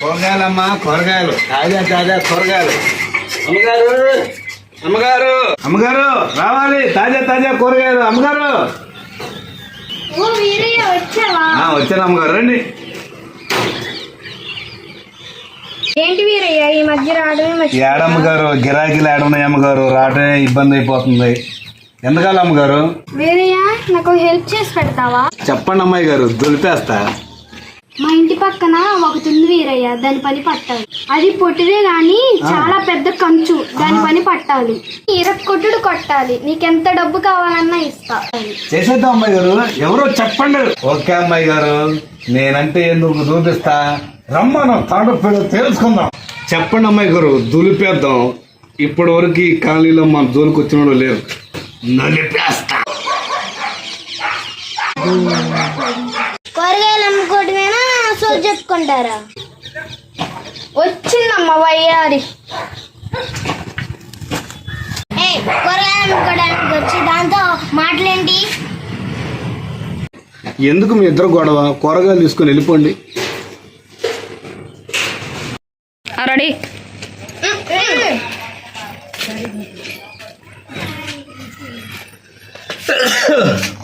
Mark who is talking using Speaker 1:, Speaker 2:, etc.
Speaker 1: కూరగాయలమ్మా, కూరగాయలు తాజా తాజా కూరగాయలు. అమ్మగారు, అమ్మగారు, అమ్మగారు రావాలి, తాజా తాజా కూరగాయలు. అమ్మగారు వచ్చాను. అమ్మగారు రండి.
Speaker 2: ఏంటి వీరయ్య ఈ మధ్య రావడమే?
Speaker 1: ఏడమ్మగారు గిరాకీలు ఏడున్నాయి అమ్మగారు, రావడమే ఇబ్బంది అయిపోతుంది. ఎందుకాలి అమ్మగారు?
Speaker 2: వీరయ్య నాకు హెల్ప్ చేసి పెడతావా?
Speaker 1: చెప్పండి అమ్మాయి గారు, దులిపేస్తా.
Speaker 2: మా ఇంటి పక్కన ఒకటి ఉంది వీరయ్య, దాని పని పట్టాలి. అది పొట్టిదే గాని చాలా పెద్ద కంచు, దాని పని పట్టాలి. కొట్టుడు కొట్టాలి. నీకెంత డబ్బు కావాలన్నా ఇస్తా.
Speaker 1: చేసేద్దాం అమ్మాయి గారు. ఎవరో చెప్పండి. ఓకే అమ్మాయి గారు, నేనంటే ఎందుకు చూపిస్తా. రమ్మను తాడు తెలుసుకుందాం. చెప్పండి అమ్మాయి గారు, దులిపేద్దాం. ఇప్పటి వరకు ఈ కాలనీలో మన జోలికి వచ్చిన లేరు. నలిపేస్తా.
Speaker 2: కూరగాయలు అమ్ముకోవటమేనా, సోలు చెప్పుకుంటారా? వచ్చిందమ్మా వయ్యారి. కూరగాయలు అమ్ముకోవడానికి వచ్చి దాంతో మాటలేంటి?
Speaker 1: ఎందుకు మీ ఇద్దరు గొడవ? కూరగాయలు తీసుకొని వెళ్ళిపోండి.
Speaker 2: రెడీ.